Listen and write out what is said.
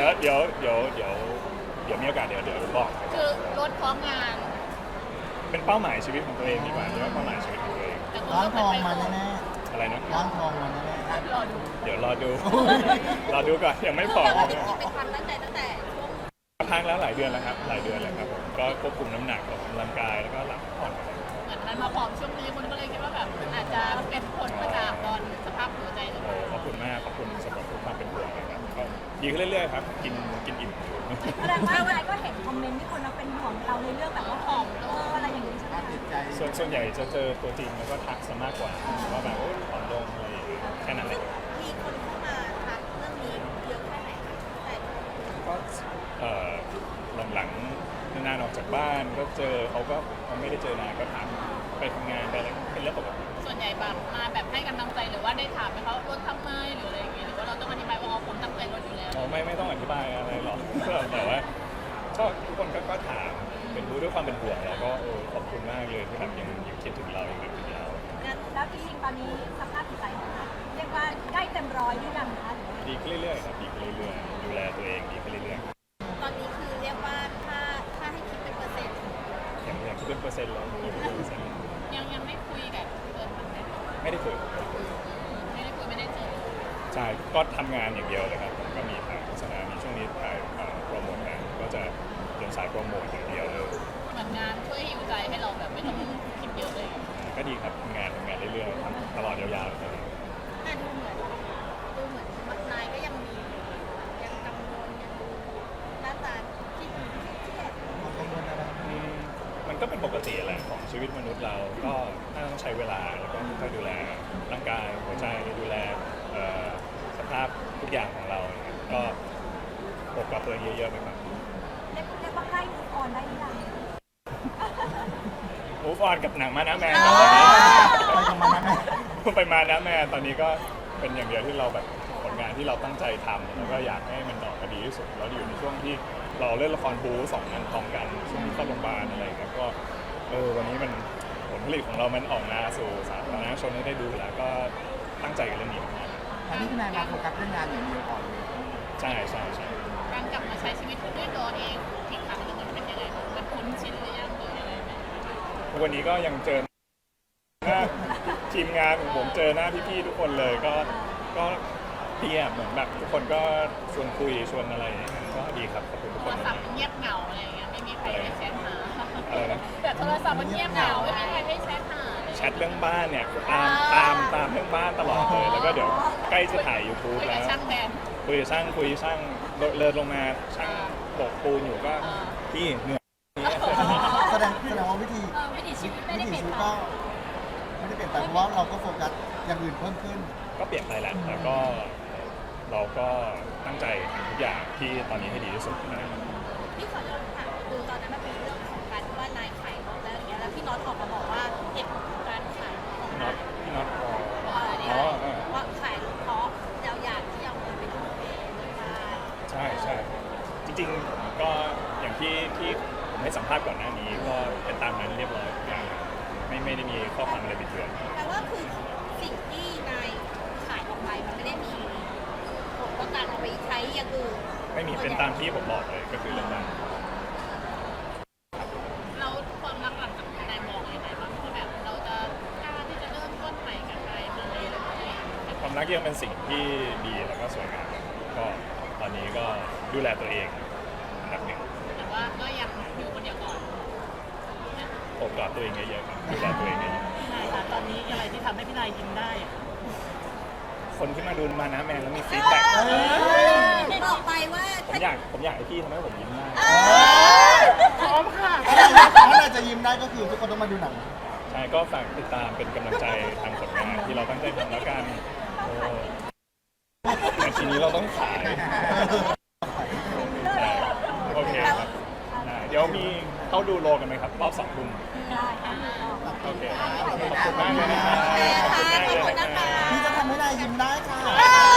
ดี๋ยวมีโอกาสเดี๋ยวบอกคือรถพร้อมงานเป็นเป้าหมายชีวิตของตัวเองดีกว่าเรียกว่าเป้าหมายชีวิตของตัวเองแต่ร้านทองมาแน่แน่อะไรนะๆร้านทองมาแน่รอดูเดี๋ยวรอดู รอดูก่อนยังไม่พร้อมจริงๆเป็นความตั้งใจตั้งแต่ช่วงพักแล้วหลายเดือนแล้วครับหลายเดือนแล้วครับผมก็ควบคุมน้ำหนักออกกำลังกายแล้วก็หลับผ่อนเหมือนมันมาผอมช่วงนี้คนก็เลยคิดว่าแบบอาจจะเป็นผลมาจากตอนสภาพหัวใจหรือเปโอ้ล่าขอบคุณมากขอบคุณสำหรับทุกความเป็นห่วงนะครับก็ดีขึ้นเรื่อยๆครับกินอิ่มอยู่แสดงว่าอะไรก็เห็นคอมเมนต์ที่คนเราเป็นห่วงเราในเรื่องแบบว่าผอมอะไรอย่างนี้ใช่ไหมๆติดใจส่วนใหญ่จะเจอตัวจริงแล้วก็ทักซะมากกว่าว่าแบบโอ้ยผอมลงอะไรอย่างเงี้ยแค่นั้นเลยมีคนเข้ามาทักเรื่องนี้เยอะแค่ไหนคะแต่ก็หลังๆนานๆออกจากบ้านก็เจอเขาไม่ได้เจอนานก็ถามไปทำงานไปอะไรเป็นเรื่องปกติส่วนใหญ่แบบมาแบบให้กำลังใจหรือว่าได้ถามไหมเขาลดทำไมหรืออะไรอย่างเงี้ยหรือว่าเราต้องอธิบายว่าอ๋อผมตั้งใจลดอยู่แล้วอ๋อไม่ต้องอธิบายอะไรหรอก แต่ว่าก็ทุกคนก็ถามเป็นรู้ด้วยความเป็นห่วงแล้วก็ขอบคุณมากเลยที่แบบยังคิดถึงเรายังนึกถึงเราแล้วจริงๆตอนนี้สภาพจิตใจของเราเรียกว่าใกล้เต็มร้อยหรือยังคะดีขึ้นเรื่อยๆครับดีขึ้นเรื่อยๆดูแลตัวเองดีขึ้นเรื่อยตอนนี้คือเรียกว่าถ้าให้คิดเป็นเปอร์เซ็นต์ๆอย่างคิดเป็นเปอร์เซ็นต์เลย100% ยังไม่คุยกับเอิร์ธบ้างไหมไม่ได้คุยไม่ได้คุยไม่ได้เจอใช่ก็ทำงานอย่างเดียวเลยครับผมก็มีถ่ายโฆษณามีช่วงนี้ถ่ายโปรโมทงานก็จะเดินสายโปรโมทอย่างเดียวเลยเหมือนงานช่วยฮิวใจให้เราแบบไม่ต้องคิดเยอะเลยก็ดีครับทำงานเรื่อยๆทำตลอดยาวๆเลยแต่ดูเหมือนนายก็ยังมียังกังวลยังดูหน้าตาที่ดูเครียดกังวลอะไรมันก็เป็นปกติแหละของชีวิตมนุษย์เราก็ต้องใช้เวลาแล้วก็ค่อยดูแลร่างกายหัวใจดูแลสภาพทุกอย่างของเราเนี่ยก็ปกกับตัวเองเยอะๆไปก่อนเรียกว่าใกล้ทุกออนได้หรือยังมูฟออนกับหนังมานะแมนไปกับมันนะไปมานะแมนตอนนี้ก็เป็นอย่างเดียวที่เราแบบผลงานที่เราตั้งใจทำแล้วก็อยากให้มันออกมาดีที่สุดแล้วอยู่ในช่วงที่เราเล่นละครบู๊สองงานพร้อมกันช่วงที่เข้าโรงพยาบาลอะไรอย่างเงี้ยก็วันนี้มันผลผลิตของเรามันออกมาสู่สาธารณชนให้ได้ดูแล้วก็ตั้งใจกับเรื่องนี้มากอันนี้คือนายมาโฟกัสเรื่องงานอย่างเดียวก่อนเลยใช่ใช่ใช่การกลับมาใช้ชีวิตด้วยตัวเองอีกครั้งหนึงมันเป็นยังไงบ้างมันคุ้นชินหรือยังหรือยังไงไหมวันนี้ก็ยังเจอหน้าทีมงานของผมเจอหน้าพี่ๆทุกคนเลยก็ดีอ่ะเหมือนแบบทุกคนก็ชวนคุยชวนอะไรอย่างเงี้ยก็ดีครับขอบคุณทุกโทครนศัพท์มันเงียบเหงาอะไรอย่างเงี้ยไม่มีใครได้แชทหาอะไรนะแต่โทรศัพท์มันเงียบเหงาไม่มีใครได้แชทหาเลยแชทเรื่องบ้านเนี่ยตามเรื่องบ้านตลอดเลยแล้วก็เดี๋ยวใกล้จะถ่าย YouTube คุยแล้กับวช่างแบนคุยกับช่างเลิศลงมาช่างโบกปูนอยู่ก็พี่เหนื่อยแสดงว่าวิธีวิถีชีวิตไม่วิได้ถีเปลี่ยนชีวิตไปก็ไม่ได้เปลี่ยนไปเพราะว่าเราก็โฟกัสอย่างอื่นเพิ่มขึ้นก็เปลี่ยนไปแหละแต่ก็เราก็ตั้งใจทำทุกอย่างที่ตอนนี้ให้ดีที่สุดนะครับพี่ขอย้อนถามคือตอนนั้นมันเป็นเรื่องของการที่ว่านายขายรถแล้วอย่างเงี้ยแล้วพี่น็อตออกมาบอกว่าเหตุผลของการขายรถของพี่น็อตเพราะอะไรเนี่ยว่าขายรถเพราะเราอยากที่เอาเงินไปทุ่มเทในบ้านใช่จริงๆก็อย่างที่ผมให้สัมภาษณ์ก่อนหน้านี้ก็เป็นตามนั้นเรียบร้อยทุกอย่างไม่ได้มีข้อความอะไรบิดเบือนแปลว่าคือสิ่งที่นายขายออกไปมันไม่ได้มีผลต่อการเอาไปใช้อย่างอื่นไม่มีเป็นตามที่ผมบอกเลยก็คือเรื่องนั้นเราความรักหลังจากนายมองยังไงบ้างว่าแบบเราจะกล้าที่จะเริ่มต้นใหม่กับใครไหมหรืออะไรความรักยังเป็นสิ่งที่ดีแล้วก็สวยงามก็ตอนนี้ก็ดูแลตัวเองอันดับหนึ่งแต่ว่าก็ยังอยู่คนเดียวก่อนโอบกอดตัวเองเยอะๆครับดูแลตัวเองเยอะนายคะตอนนี้อะไรที่ทำให้พี่นายยิ้มได้อะๆคนที่มาดูมานะแมนแล้วมีฟีดแบ็กบอกไปว่าผมอยากให้พี่ทำให้ผมยิ้มได้พร้อมค่ะถ้าเราจะยิ้มได้ก็คือทุกคนต้องมาดูหนังใช่ก็ฝากติดตามเป็นกำลังใจทางผลงานที่เราตั้งใจทำแล้วกันในทีนี้เราต้องขายใช่โอเคครับได้เดี๋ยวมีเข้าดูโลกันไหมครับรอบ2 ทุ่มได้ค่ะโอเคขอบคุณมากเลยนะครับขอบคุณมากเลยนะครับพี่จะทำให้นายยิ้มได้ค่ะ